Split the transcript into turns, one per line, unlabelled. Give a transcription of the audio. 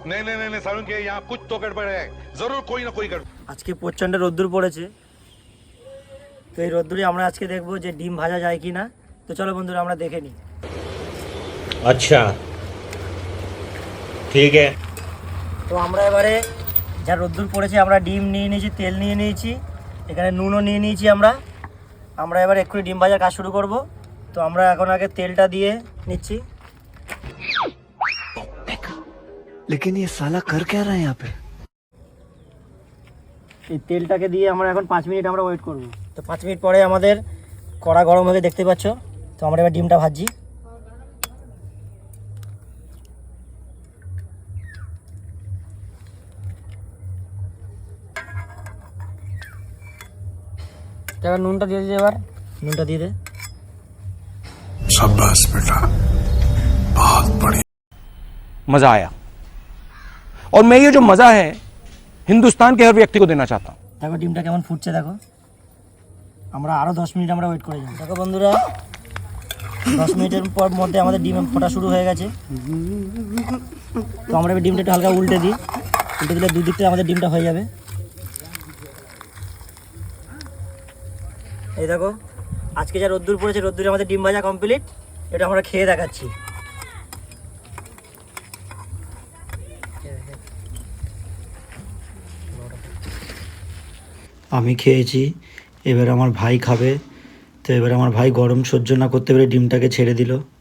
नहीं नहीं नहीं सारुण के यहाँ कुछ तो गड़बड़ है, जरूर कोई ना कोई गड़बड़।
আজকে প্রচণ্ড রোদ্দুর পড়েছে, তো এই রোদ্দুরে আমরা আজকে দেখবো যে ডিম ভাজা যায় কি না। তো চলো বন্ধুরা আমরা দেখে নিই।
अच्छा ठीक है।
তো আমরা এবারে যা রোদ্দুর পড়েছে আমরা ডিম নিয়ে নিয়েছি, তেল নিয়ে নিয়েছি, এখানে নুনও নিয়ে নিয়েছি। আমরা এবার এক্ষুনি ডিম ভাজার কাজ শুরু করব। তো আমরা এখন আগে তেলটা দিয়ে নিচ্ছি।
लेकिन ये साला कर क्या रहा है यहाँ पे?
এই তেলটাকে দিয়ে আমরা এখন 5 মিনিট আমরা ওয়েট করব। তো 5 মিনিট পরে আমাদের কড়া গরম হয়ে দেখতে পাচ্ছ। তো আমরা এবার ডিমটা ভাজছি। এবার নুনটা দিয়ে দিই, এবার নুনটা দিয়ে দে।
शाबाश बेटा, बहुत बढ़िया।
मज़ा आया और मैं ये जो मज़ा है हिंदुस्तान के हर व्यक्ति को देना चाहता हूँ।
দেখো ডিমটা কেমন ফুটছে, দেখো। আমরা আরও 10 মিনিট আমরা ওয়েট করে যাব। দেখো বন্ধুরা 10 মিনিটের পর মধ্যে আমাদের ডিম ফোটা শুরু হয়ে গেছে। তো আমরা এবার ডিমটা একটু হালকা উল্টে দিই, উল্টে দিলে দুদিক থেকে আমাদের ডিমটা হয়ে যাবে। এই দেখো আজকে যা রোদ্দুর পড়েছে, রোদ্দুরে আমাদের ডিম ভাজা কমপ্লিট। এটা আমরা খেয়ে দেখাচ্ছি। আমি খেয়েছি, এবার আমার ভাই খাবে। তো এবার আমার ভাই গরম সহ্য না করতে পেরে ডিমটাকে ছেড়ে দিল।